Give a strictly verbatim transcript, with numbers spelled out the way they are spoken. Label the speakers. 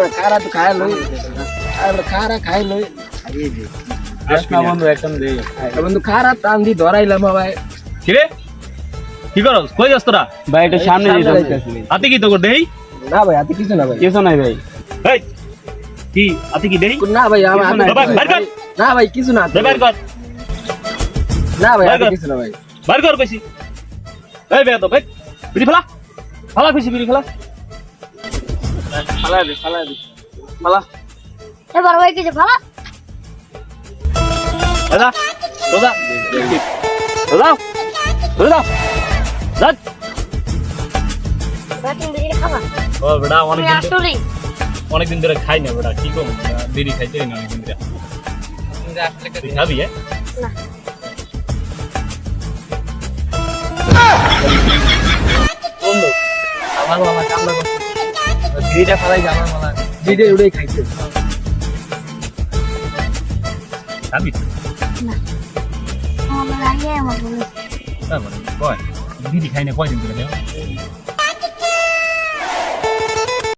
Speaker 1: আমরা খারা তো খাই লই আমরা খারা খাই লই
Speaker 2: না বন্ধু একদম দে
Speaker 1: বন্ধু খারা টান দি ধরাইলাম ভাই
Speaker 3: কি রে কি করছ কই যাস তোরা
Speaker 2: ভাই এটা সামনে দিয়ে যাইতাছি
Speaker 3: হাতে কি তো কর দেই
Speaker 1: না ভাই হাতে কিছু না ভাই
Speaker 2: কিছু নাই ভাই
Speaker 3: এই কি হাতে কি দেই
Speaker 1: না ভাই আমার হাতে
Speaker 3: বাবা বাইর কর
Speaker 1: না ভাই কিছু না
Speaker 3: বাইর কর
Speaker 1: না ভাই হাতে কিছু না ভাই
Speaker 3: বাইর কর কইছি এই বে তো ভাই বিড়ি ফেলা ফেলা কইছি বিড়ি ফেলা
Speaker 2: ফালা দে ফালা দে ফালা
Speaker 4: এবার ভাই কিছু ভালো
Speaker 3: দাদা দাদা দাদা দাদা দাদা
Speaker 4: ব্যাটিং দিয়ে খাবা
Speaker 3: ও বড়া অনেক দিন
Speaker 4: আসলেই
Speaker 3: অনেক দিন ধরে খাই না বড়া কি কম বিড়ি খাইতে না অনেক দিন ধরে তুই খাবি হ্যাঁ
Speaker 4: না
Speaker 1: বন্ধু আমার মামা কামলা করছে ভিডিটা ফালাই আমার মামা ভিডিও উড়েই খাইছে
Speaker 3: খাবি
Speaker 4: না আমার লাগে আমার বলে
Speaker 3: তারপরে কয় বিড়ি খাই না কয়দিন ধরে